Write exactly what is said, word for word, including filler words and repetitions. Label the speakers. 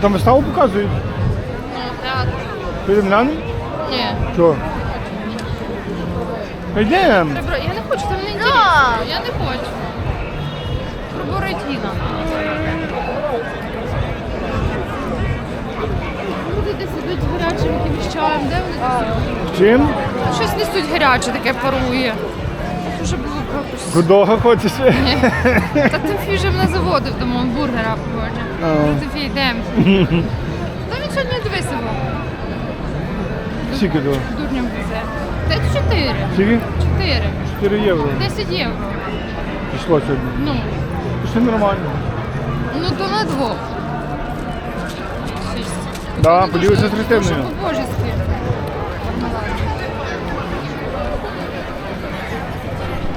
Speaker 1: там виставу показують?
Speaker 2: Ну, театр.
Speaker 1: Підемо глянемо?
Speaker 2: Ні.
Speaker 1: Що? Йдемо.
Speaker 2: Ребро, я не хочу, там не інтересно. Я не хочу. Про Бородіна. Люди десь ідуть з гарячим якимось чаєм. Де вони десь?
Speaker 1: Чим?
Speaker 2: Щось несуть гаряче, таке парує. Дуже було якось.
Speaker 1: Худого хочеш?
Speaker 2: Ні. Та Тимфій вже мене заводив до мого бургера, погоджу.
Speaker 1: А.
Speaker 2: Тимфій, йдемо. Та він сьогодні дивися був.
Speaker 1: Скільки того?
Speaker 2: Дурням везе. Та чотири.
Speaker 1: Скільки?
Speaker 2: Чотири.
Speaker 1: чотири євро.
Speaker 2: Десять євро.
Speaker 1: Пішло сьогодні.
Speaker 2: Ну.
Speaker 1: Все нормально.
Speaker 2: Ну то на двох.
Speaker 1: Да,
Speaker 2: Дуже-
Speaker 1: поділися з
Speaker 2: дуже
Speaker 1: Христиною.
Speaker 2: по-божески.